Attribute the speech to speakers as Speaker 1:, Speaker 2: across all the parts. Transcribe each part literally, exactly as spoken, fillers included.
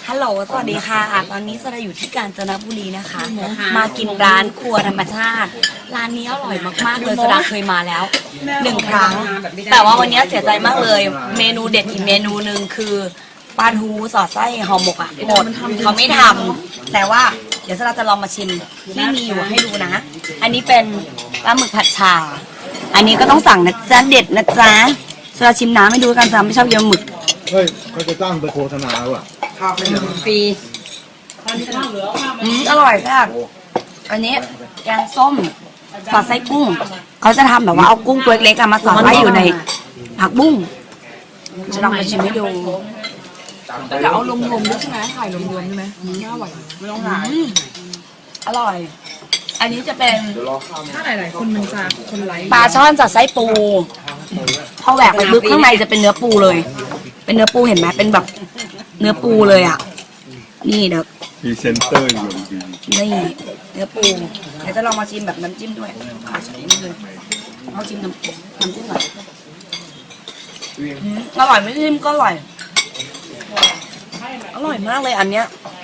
Speaker 1: ฮัลโหลสวัสดีค่ะตอนนี้สระอยู่ที่กาญจนบุรีนะคะ มากินร้านครัวธรรมชาติร้านนี้อร่อยมากๆเลยสระเคยมาแล้วหนึ่งครั้งแต่ว่าวันนี้เสียใจมากเลยเมนูเด็ดอีกเมนูหนึ่งคือปลาทูสอดไส้ห่อหมกอ่ะหมดเขาไม่ทำแต่ว่าเดี๋ยวสระจะลองมาชิมที่มีอยู่ให้ดูนะอันนี้เป็นปลาหมึกผัดชาอันนี้ก็ต้องสั่งนะจ๊ะเด็ดนะจ๊ะสระชิมน้ำให้ดูกันจ้ะไม่ชอบเยอะหมึก
Speaker 2: เฮ้ยเขาจะตั้งไปโฆษณาว่ะ
Speaker 1: ฟรีอืมอร่อยแซ่บอันนี้แกงส้มสอดไส้กุ้งเขาจะทำแบบว่าเอากุ้งตัวเล็กๆมาสอดไว้อยู่ในผักบุ้งจะลองไปชิมให้ดูจะเอารวมๆด้วยใช่ไหมถ่ายรวมๆใช่ไหมน่าอร่อยไม่ต้องถ่ายอร่อย อันนี้จะเป็นถ้าหลายๆคนมันจะคนไลค์ปลาช่อนสอดไส้ปูพอแหวกไปลึกข้างในจะเป็นเนื้อปูเลย เป็นเนื้อปูเห็นไหมเป็นแบบเนื้อปูเลยอ่ะนี่เดี๋ยวพรีเซนเตอร์อยู่นี่เนื้อปูเดี๋ยวจะลองมาชิมแบบน้ำจิ้มด้วยขอชิมนิดนึงเอาชิมน้ำน้ำจิ้มหน่อยอร่อยไม่ชิมก็อร่อยอร่อยมากเลยอันเนี้ย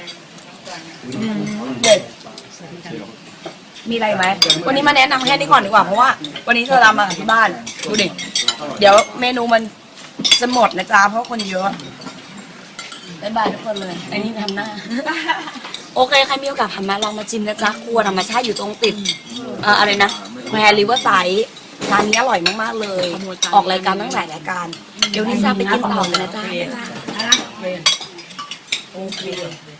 Speaker 1: เด็ดมีอะไรไหมวันนี้มาแนะนำแค่นี้ก่อนดีกว่าเพราะว่าวันนี้เธอทำมาที่บ้านดูดิเดี๋ยวเมนูมันจะหมดนะจ๊ะเพราะคนเยอะบ๊ายบายทุกคนเลยไอ้นี่ทำหน้าโอเคใครมีโอกาสผ่านมาลองมาชิมนะจ๊ะครัวธรรมชาติอยู่ตรงติดเอ่ออะไรนะแควร์ริเวอร์ไซด์ร้านนี้อร่อยมากๆเลยออกรายการตั้งหลายรายการเดี๋ยวนี้จะไปกินต่อเลยนะจ๊ะโอเค